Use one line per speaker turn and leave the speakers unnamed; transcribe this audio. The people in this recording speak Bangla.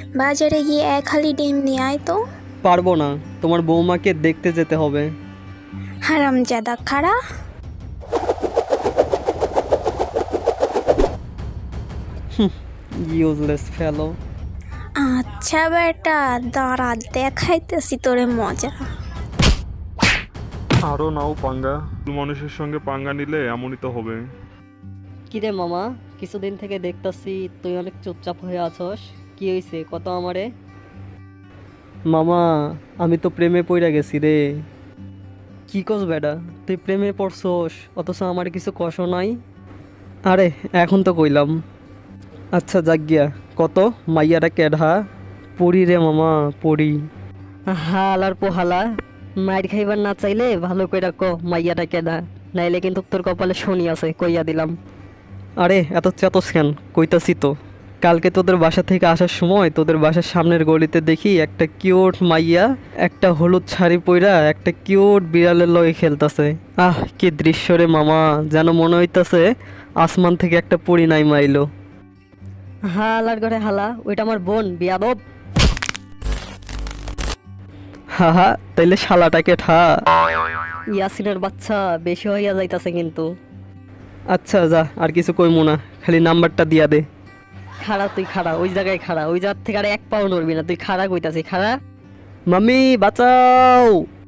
বাজারে গিয়ে এক হালি ডিম নিয়ে আয় তো।
পারবো না, তোমার বৌমাকে দেখতে যেতে হবে।
হারামজাদা খাড়া।
Useless fellow.
আচ্ছা বেটা, দাঁড়া দেখাইতেছি তোরে মজা।
আরও নাও পাঙ্গা, মানুষের সঙ্গে পাঙ্গা নিলে এমনই তো হবে।
কিরে মামা, কিছুদিন থেকে দেখতাছি তুই অনেক চুপচাপ হয়ে আছস, কি হয়েছে কত আমারে? মামা, আমি তো প্রেমে পইরা গেছি রে। কি কস বেডা, তুই প্রেমে পড়ছস অথচ আমার কিছু কষ নাই? আরে এখন তো কইলাম। আচ্ছা যাক গিয়া, কত মাইয়াটা কেডা? পড়ি রে মামা, পড়ি। হালার পোহালা, মাইর খাইবার না চাইলে ভালো কইরা ক মাইয়াটা কেডা, নাইলে কিন্তু তোর কপালে শনি আছে কইয়া দিলাম। আরে এত চেতস কেন, কইতাছি তো। কালকে তোদের বাসা থেকে আসার সময় তোদের বাসার সামনের গলিতে দেখি একটা কিউট মাইয়া একটা হলুদ শাড়ি পইরা একটা কিউট বিড়ালের লগে খেলতাছে। আহ কি দৃশ্য রে মামা, যেন মনে হইতাছে আসমান থেকে একটা পরি নাই মাইলো। হালার ঘরে হালা, ওইটা আমার বোন বিয়াদব। হাহা, তাইলে শালাটাকে ঠা। ইয়াসিনের বাচ্চা বেশি হইয়া যাইতাছে কিন্তু। আচ্ছা যা, আর কিছু কইমু না, খালি নাম্বারটা দিয়া দে। খাড়া তুই খাড়া, ওই জায়গায় খাড়া, ওই জায়গা থেকে আর এক পাও নড়বি না, তুই খাড়া কইতাছি খাড়া। মাম্মি বাঁচাও।